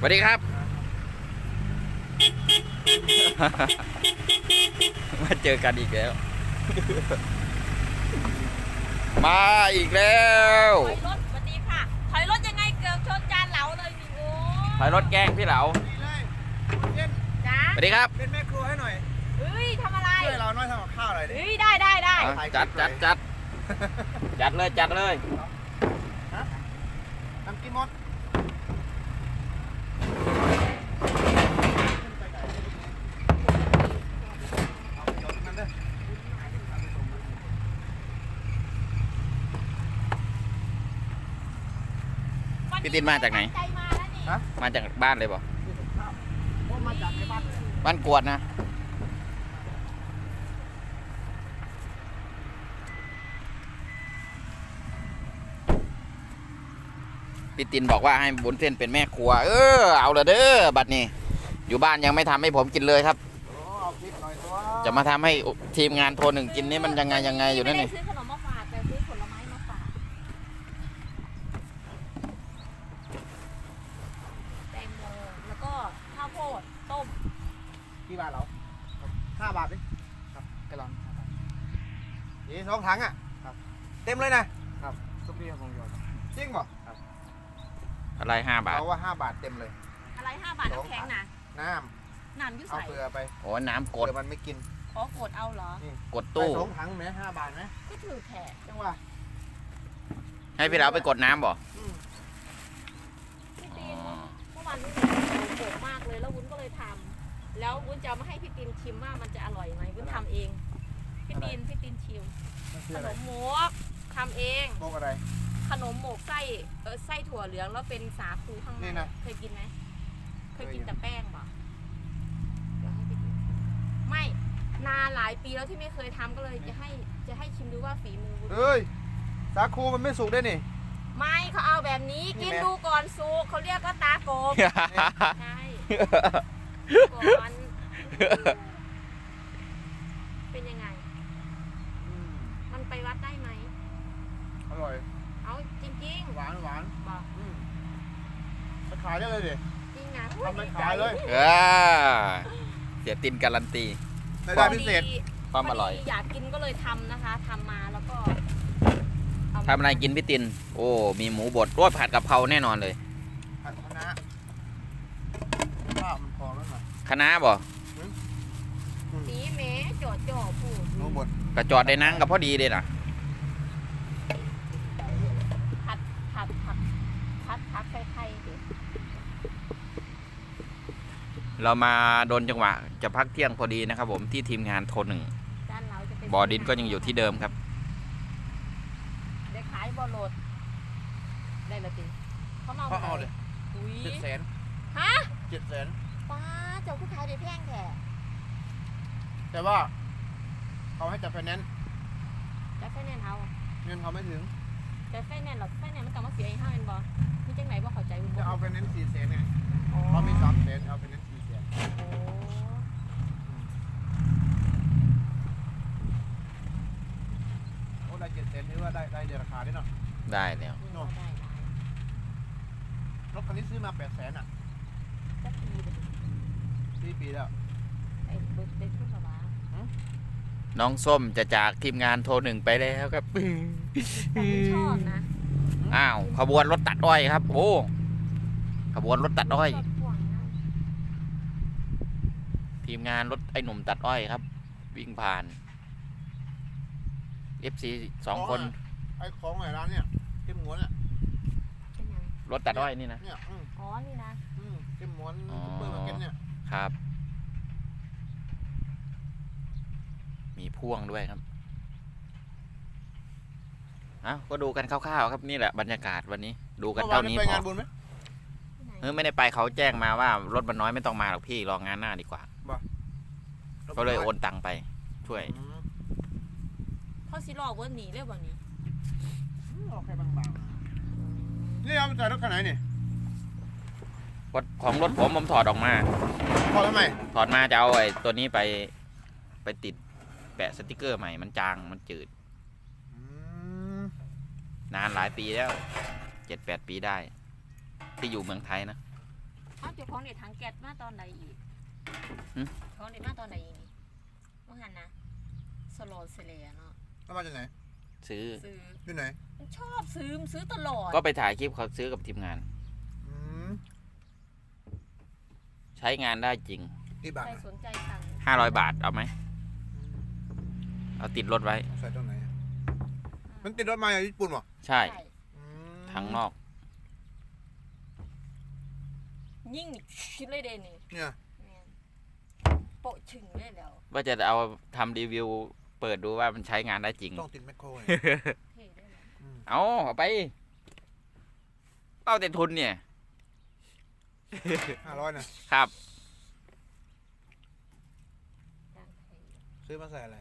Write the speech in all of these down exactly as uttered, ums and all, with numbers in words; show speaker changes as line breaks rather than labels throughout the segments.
วัสดีครับ มาเจอกันอีกแล้ว มาอีกแล้ว
ถอยรถสวัสดีค่ะถอยรถยังไงเกือบชนจานเหลาเลยพี่โอ้
ถอยรถแกล้งพี่เหลา
จ้า
สวัสดีครับ
เป็นแม่ครัวให้หน่อย
เฮ้ยทำอะไร
ช่วยเราหน่อยทำกับข้าวหน่อยดิ
เฮ้ยได้ได้ได้
จัดจัดจัดจัดเลยจัดเลย
ฮะทำกินหมดเอาไปโยนมันเด้อ
พี่ตินมาจากไหน
ใจมาแล้วนี่
ฮะ
มาจากบ้านเลยบ่
พวกมาจากในบ้านเลย
บ้านกวดนะพี่ตินบอกว่าให้บุญเส้นเป็นแม่ครัว เออเอาละเด้อบัดนี้ อยู่บ้านยังไม่ทำให้ผมกินเลยครับ
โอ้เอาพริกหน่อยตัว
จะมาทำให้ทีมงานโทรหนึ่งกินนี่มันยังไงยังไงอยู่นั่นนี่
ไม่ได้ซื้อขนมมาฝากแต่ซื้อผลไม้มาฝากแตงโมแล้วก็ข้าวโพดต้ม
กี่บาทเราห้าบาทดิครับกระลอนห้าบาทนี่สองถังอ่ะครับเต็มเลยนะครับทุกที่ของโยนจริงป่ะครับ
อะไรห้าบาท
เราว่าห้าบาทเต็มเลย
อะไรห้าบาทน้ำแข็งนะ
น้
น้ำยุ่
ำเอา
ใส่
เกลือไป
โอ้น้ำก
เก
ด
ลือมันไม่กิน
ขอกดเอาเหรอ
นี่
กดตู้
ไปสองถังไหมห้าบาทไหม
ก็ถือแขก
จังหวะ
ให้พี่เราไปกดน้ำบ่
อืม
พี่ตีนเมื่อวานนี้โหดมากเลยแล้ววุ้นก็เลยทำแล้ววุ้นจะเอามาให้พี่ตีนชิมว่ามันจะอร่อยไหมวุ้นทำเองพี่ตีนพี่ตีนชิม
มันคือ
ข
อะไร
นมหมกทำเอง
โมกอะไร
ขนมหมกไส้เออไส้ถั่วเหลืองแล้วเป็นสาคูข้างใน
นี่นะ
เคยกินไหมเคยกิน
เคยอยู่
แต่แป้งป่ะเดี๋ยวให้พี่ตีนไม่นานหลายปีแล้วที่ไม่เคยทำก็เลยจะให้จะให้ชิมดูว่าฝีมือวุ้น
เอ้ยสาคูมันไม่สุกได้นี่
ไม่เขาเอาแบบนี้
นี่
กิน
ไหม
ดูก่อนสุกเขาเรียกว่าตาโกบใช่ก่อนเป็นยังไง
อืม
มันไปวัดได้ไหม
อร่อย
เอาจริง
หวานหวาน
ๆบอก
อืมไปขายได้เลยดิ
จริงนะ
ทำไปขายเลย
เออเสียตินการันตี
รายได้พิเศษ
ความอร่อย
พดีอยากกินก็เลยทำนะคะทำมาแล้วก็เามา
ทำอะไรกินพี่ติน โอ้ มีหมูบดรวดผัดกะเพราแน่นอนเลย
ผัดคะน้าข้าวมันพอแล้วหน่อย
คะน้าบ่
สีเมจ่อจ่อพูด
หมูบด
กระจอดได้นั่งกับพอดีเลยนะ
ผัดผัดผัดผัดผัดไข่ๆดิ
เรามาโดนจังหวะจะพักเที่ยงพอดีนะครับผมที่ทีมงานโทรหนึ่ง
ด้านเราจะเป็น
บอดินก็ยังอยู่ที่เดิมครับ
ได้ขายบอโหลดได้ละจริงเขาเมา
เขาเอาเลย
อุ้ย
เจ็ดแสน
ฮะ
เจ็ดแสน
ป้าเจ้าผู้ขายได้แพงแท้
แต่ว่าเขาให้จัดไฟแนนซ์
จะไฟแนนซ์เอา
เงินเขาไม่ถึง
จะไฟแนนซ์หรอไฟแนนซ์มันต้องมาเสียอีกห้าเป็นบอมีจังไหนบ่เข้าใจบุญ
จะ
บ่
เอาไฟแนนซ์สี่แสนไง
อ๋อ
เขามีสามแสนเอาไฟแนนซ์สี่แสน
โอ้
โอ้ได้เจ็ดแสนถือว่าได้ได้เดือนราคาด้วยเนาะ
ได้แล้ว
เนาะ
ได้ได้
รถคันนี้ซื้อมาแปดแสนอ่ะ
จะปีเลย
สี่ปีแล้ว
ไอ้เบิร์ดได้ขึ้นมาว่า
น้องส้มจะจากทีมงานโทรหนึ่งไปแล้วครับ
แต่คุณชอบนะ
อ้าวขบวนรถตัดอ้อยครับ โอ้ขบวนรถตัดอ้อย
ชบห่วงนะ
ทีมงานรถไอ้หนุ่มตัดอ้อยครับ วิ่งผ่าน เอฟซี สองคน
ไอ้ของไอ้ร้านเนี่ยเข้มงวนอ่ะ
เป็นยัง
รถตัดอ้อยนี่นะ
เนี่ยอืม
อ๋อนี่นะ
อืมเข้มงวน
อ๋อ
ซุปเปอร์มาร์เก็ตเนี่ย
ครับ มีพ่วงด้วยครับเอ้าก็ดูกันคร่าวๆครับนี่แหละบรรยากาศวันนี้ ดูกัน
เมื่อวา
เท่าน นี้
ไป
พอง
านบุญไหม
ที่ไหน
เออไม่ได้ไปเขาแจ้งมาว่ารถมันน้อยไม่ต้องมาหรอกพี่รองงานหน้าดีกว่าก็เลยโอนตังไป ช่วย
อืม
เขาสิรอวันนี้เลยวันนี้
อืมเอาแค่บางๆนี่เอาไปใส่รถคันไหนนี่
ของรถผมผมถอดออกมา
พอทำไม
ถอดมาจะเอาไอ้ตัวนี้ไปไปติดแปะสติกเกอร์ใหม่มันจางมันจืด
อืม
นานหลายปีแล้วเจ็ดแปดปีได้ ที่อยู่เมืองไทยนะ
เอาเจ้าของเด็ดทางแก๊สมาตอนไหนอีก
หึ
ของเด็ดมาตอนไหนอีกนี่เมื่อหันนะสโลเซเลียเนาะ
แล้วมาจากไหน
ซื้อ
ซื้อ
อยู่ไหน
มันชอบซื้อมันซื้อตลอด
ก็ไปถ่ายคลิปเขาซื้อกับทีมงาน
อืม
ใช้งานได้จริง
ที่บาท
ใคร
นะ
สนใจสั่ง
ห้าร้อยบาทเอาไหมเอาติดรถไว้
ใส่ตรงไหนอะมันติดรถมาจากญี่ปุ่นเหรอ
ใช่
ใช่
อืม
ทั้งนอก
ยิ่งชิดเลยเดนนี่
เนี่ย
แม่นโปะชึงเลยแล้ว
ว่าจะเอาทำรีวิว เปิดดูว่ามันใช้งานได้จริง
ต้องติดแมคโครไง
เท่ได้เลย
อืม
เอาเอาไปเอาแต่ทุนเนี่ย
ห้าร้อยนะครับ
ดังเท่
ซื้อมาใส่อะไร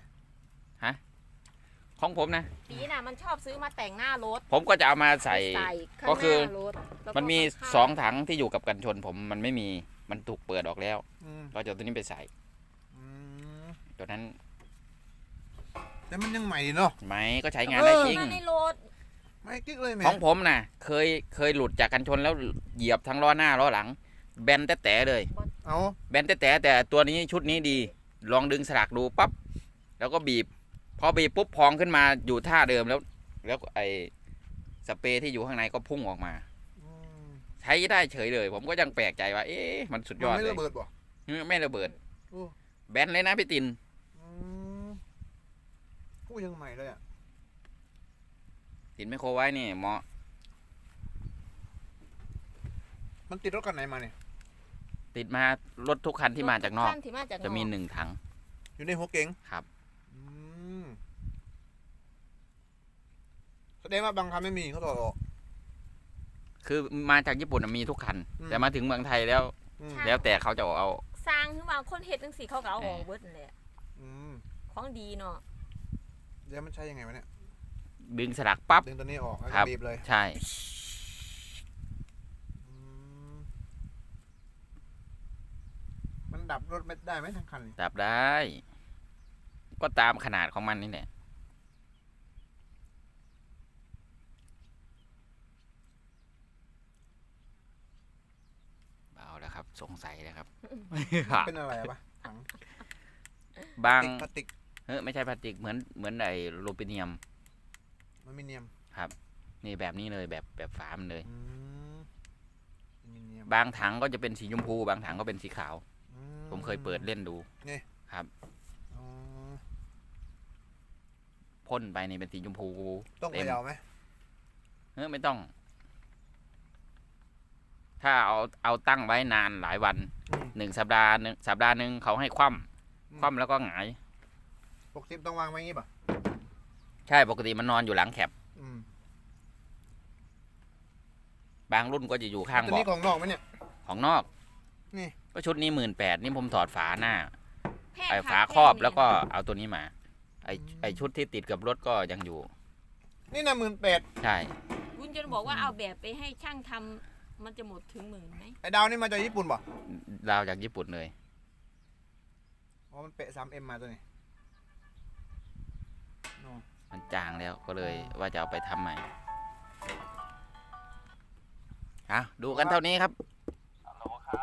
ของผมนะ
ปีน่ะมันชอบซื้อมาแต่งหน้ารถ
ผมก็จะเอามาใส่
ข้าง
ก็คือ
หน้ารถแล้วก็
มันมี
ข้างๆ
สองถังที่อยู่กับกันชน ผมมันไม่มีมันถูกเปิดออกแล้ว
อืม
ก็จะเอาตัวนี้ไปใส่
อืม
ตัวนั้น
แต่มันยังใหม่ดีเนาะ
ไหมก็ใช้งานได้จริง
มาในรถ
ไม่กิ๊กเลยแหม่
ของผมนะเคยเคยหลุดจากกันชนแล้วเหยียบทั้งล้อหน้าล้อหลัง แบนแต่แต่เลย
เอา
แบนแต่แต่แต่ตัวนี้ชุดนี้ดี ลองดึงสลักดูปั๊บแล้วก็บีบ พอบีบปุ๊บพองขึ้นมาอยู่ท่าเดิมแล้ว แล้วไอ้สเปรย์ที่อยู่ข้างในก็พุ่งออกมา
อืม
ใช้ได้เฉยเลย ผมก็ยังแปลกใจว่า เอ๊ะมันสุดยอด
มันไม่
เลย
ระเบิดบ่
ไม่ระเบิด
โอ้
แบนเลยนะพี่ติน
อืมผู้ยังใหม่เลยอ่ะ
ตินไม่โครไว้นี่เหมาะ
มันติดรถกันไหนมาเนี่ย
ติดมารถทุกคันที่มาจากนอก
ท่ที่มาจากนอก
จะมีหนึ่งถัง
อยู่ในหัวเก๋ง
ครับ
อืมแสดงว่าบางคันไม่มีเขาถอดออก
คือมาจากญี่ปุ่นน่ะมีทุกคัน
อืม
แต่มาถึงเมืองไทยแล้ว
อืม
แล้วแต่เขาจะเอา
สร้างขึ้นมาคนเฮ็ดจังซี่เขาก็เอาออกเบิดนั่นแหละ
อืม
ของดีเนาะ
เดี๋ยวมันใช้ยังไงวะเนี่ย
ดึงสลักปั๊บ
ดึงตัวนี้ออกแล้ว
ครั
ก็
บ
บีบเลย
ใช่
อืมมันดับรถไม่ได้ไหมทั้งคันนี่
ดับได้ ก็ตามขนาดของมันนี่แหละเบาแล้วครับ สงสัยแล้วครับ
เป็นอะไรอะปะถัง
บาง
พลาสติก
เฮ้ยไม่ใช่พลาสติกเหมือนเหมือนไอ้โลปิเนียม
อลูมิเนียม
นี่แบบนี้เลยแบบแบบฝามันเลย
อืมอลูมิเนียม
บางถังก็จะเป็นสีชมพู บางถังก็เป็นสีขาว
อื
ผมเคยเปิดเล่นดู
อ๋อ
พ่นไปนี่เป็นสีชมพู
ต้อง
เต็
เข
ม
ย่าไหม
เฮ้ยไม่ต้อง ถ้าเอาเอาตั้งไว้นานหลายวัน
อืม
หนึ่งสัปดาห์หนึ่งสัปดาห์หนึ่งเขาให้คว่ำคว่ำแล้วก็หงาย
ปกติต้องวางไว้อย่างงี้ป่ะ
ใช่ปกติมันนอนอยู่หลังแคป
อืม
บางรุ่นก็จะอยู่ข้าง
ตัว
เบาะ
นี้ของนอกไหมเนี่ย
ของนอก
นี่
ก็ชุดนี้หมื่นแปดนี่ผมถอดฝาหน้า
แพง
ไอ้
ค่ะ
ฝาครอบ
แพง
แล้วก็เอาตัวนี้มา ไอ้ไอ้ชุดที่ติดกับรถก็ยังอยู่
นี่นะหมื่นแปด
ใช่
คุณจะบอกว่าเอาแบบไปให้ช่างทำมันจะหมดถึงหมื่นไหม
ไอ้ดาวนี่มาจากญี่ปุ่นป่ะ
ดาวจากญี่ปุ่นเลย
อ๋อมันเปะ สามเอ็ม มาตัวนี้โน่
มันจางแล้วก็เลยว่าจะเอาไปทำใหม่อ่ะดูกันเท่านี้ครับ